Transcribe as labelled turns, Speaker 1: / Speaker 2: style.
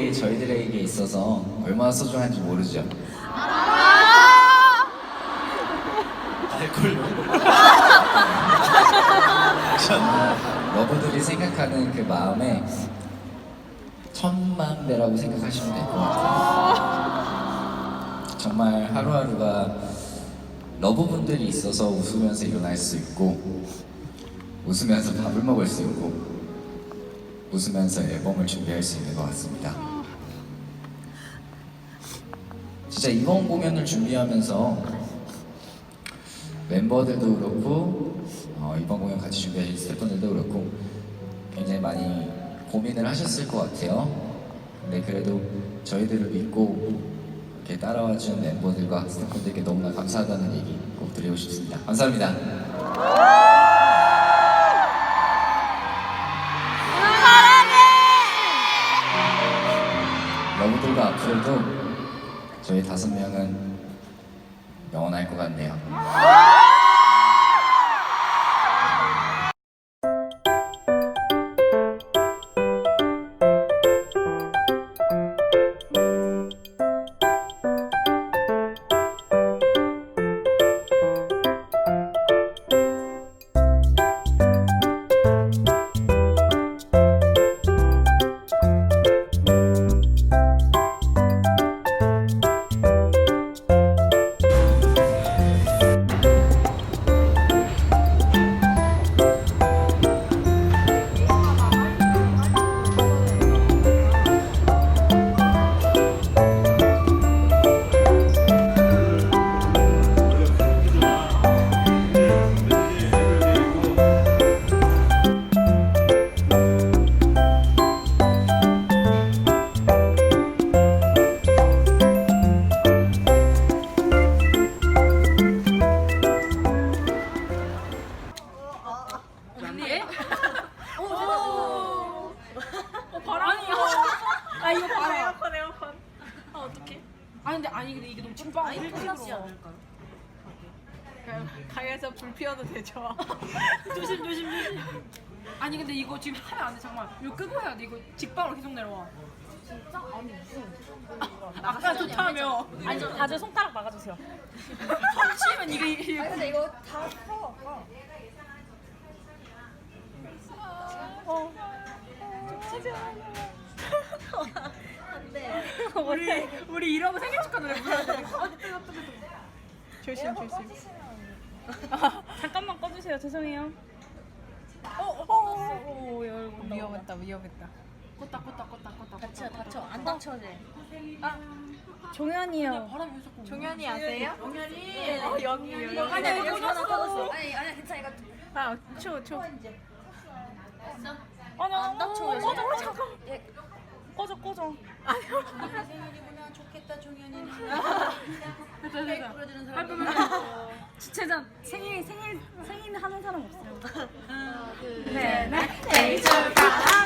Speaker 1: 러브들이 저희들에게 있어서 얼마나 소중한지 모르죠.
Speaker 2: 알콜
Speaker 1: 러브들이 생각하는 그 마음에 천만 배라고 생각하시면 될 것 같아요. 정말 하루하루가 러브분들이 있어서 웃으면서 일어날 수 있고, 웃으면서 밥을 먹을 수 있고, 웃으면서 앨범을 준비할 수 있는 것 같습니다. 진짜 이번 공연을 준비하면서 멤버들도 그렇고 이번 공연 같이 준비하신 스태프분들도 그렇고 굉장히 많이 고민을 하셨을 것 같아요. 근데 그래도 저희들을 믿고 이렇게 따라와준 멤버들과 스태프분들께 너무나 감사하다는 얘기 꼭 드리고 싶습니다. 감사합니다. 러브들과 앞으로도 저희 5명은 영원할 것 같네요.
Speaker 3: 근데 이게 너무 찐빵 일클라스 않을까요?
Speaker 4: 가게에서 불 피워도 되죠?
Speaker 3: 조심. 아니 근데 이거 지금 하면 안 돼. 정말 이거 끄고 해야 돼. 이거 직방으로 계속 내려와.
Speaker 4: 진짜? 아니 무슨
Speaker 3: 아까 좋다며.
Speaker 5: 아니 다들 손가락 막아주세요.
Speaker 3: 펀치면 이게
Speaker 4: 아니 근데 이거 다 풀어 아까 안돼
Speaker 3: 우리 이러고 생일 축하 노래 불러야 돼.
Speaker 4: 조심
Speaker 5: 잠깐만 꺼주세요. 죄송해요.
Speaker 4: 위험했다
Speaker 3: 껐다.
Speaker 4: 다쳐 안 다쳐도 돼
Speaker 5: 종현이요.
Speaker 3: 바람이 자꾸.
Speaker 4: 종현이 아세요?
Speaker 3: 종현이.
Speaker 4: 여기
Speaker 3: 아니 여기 꺼졌어.
Speaker 4: 아니 괜찮아 이거 초
Speaker 5: 아니
Speaker 4: 안 다쳐요.
Speaker 5: 꺼져.
Speaker 4: 생일이구나 좋겠다 종현이는
Speaker 3: 됐다.
Speaker 4: 불러주는
Speaker 3: 할
Speaker 4: 사람
Speaker 3: 거면
Speaker 5: 주최자 생일 하는 사람 없어요.
Speaker 4: 하나 둘
Speaker 5: 네.
Speaker 4: 생일 축하